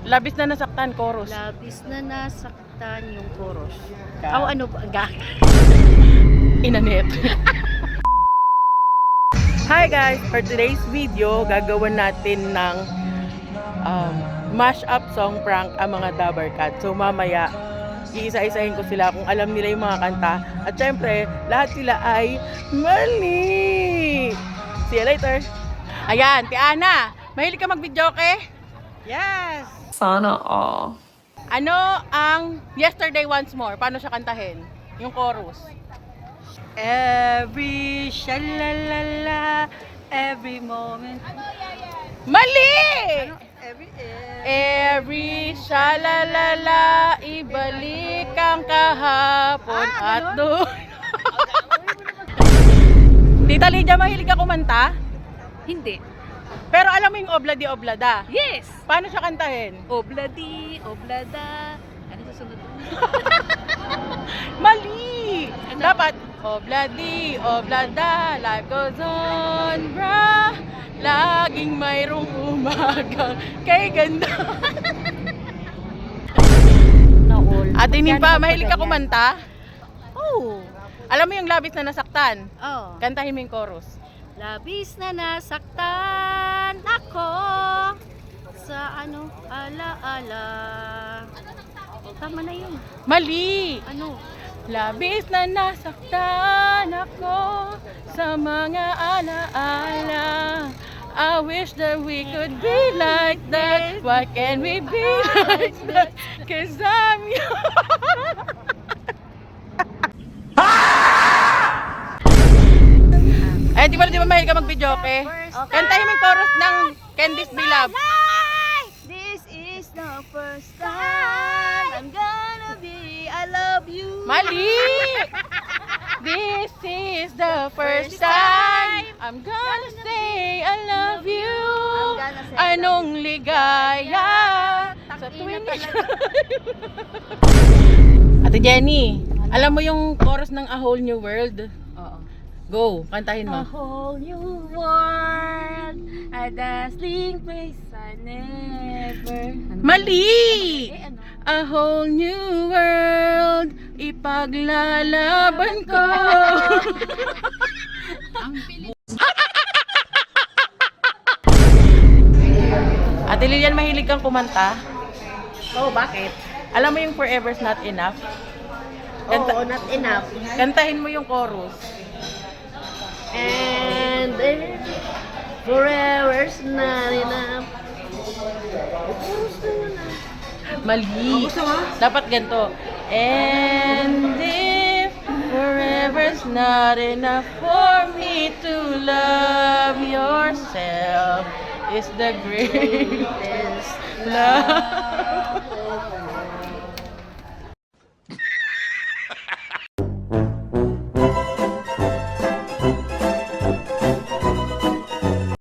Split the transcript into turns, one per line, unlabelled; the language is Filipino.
Labis na nasaktan, chorus.
Labis na nasaktan yung chorus.
Ka-
Oh, ano ba?
Inanet. Hi guys! For today's video, gagawin natin ng mash-up song prank ang mga Dabber Cat. So mamaya, iisa-isahin ko sila kung alam nila yung mga kanta. At syempre, lahat sila ay mali! See you later! Ayan, Ti Ana! Mahilig ka mag-video, okay? Yes!
Sana all.
Ano ang Yesterday Once More? Paano siya kantahin? Yung chorus.
Every shalalala, every moment.
Mali!
Every
Every shalalala, ibalik ang kahapon at doon. Tita Lydia, mahilig ka kumanta?
Hindi.
Pero alam mo yung Obladi Oblada?
Yes!
Paano siya kantahin?
Obladi, oblada. Ano susunod?
Mali! Dapat, Obladi Oblada, life goes on, brah. Laging mayroong umaga kay ganda. Ate Nimpa, mahilig ka kumanta?
Oh.
Alam mo yung labis na nasaktan?
Oh.
Kantahin mo yung chorus.
Labis na nasaktan ako sa ala-ala. Tama na yun.
Mali!
Ano?
Labis na nasaktan ako sa mga alaala. I wish that we could be like that. Why can't we be like that? Cause I'm you. Eh, di ba mahilig ka mag-video, okay? Kantahin mo yung chorus ng Candice Beloved.
This is the first time I'm gonna be I love you.
Mali! This is the first time I'm gonna say I love you. Anong ligaya sa tuwing Ate Jenny, alam mo yung chorus ng A Whole New World?
Oo.
Go, kantahin
A
mo.
whole new world, a dazzling place I never.
Mali!
Ano?
A whole new world, ipaglalaban ko. Ate Lilian, mahilig kang kumanta?
Oh, bakit?
Alam mo yung Forever's Not Enough? Kanta-
Oo, not enough.
Kantahin mo yung chorus.
And forever's not enough.
Mali. Dapat ganito. And if forever's not enough for me to love yourself is the greatest love.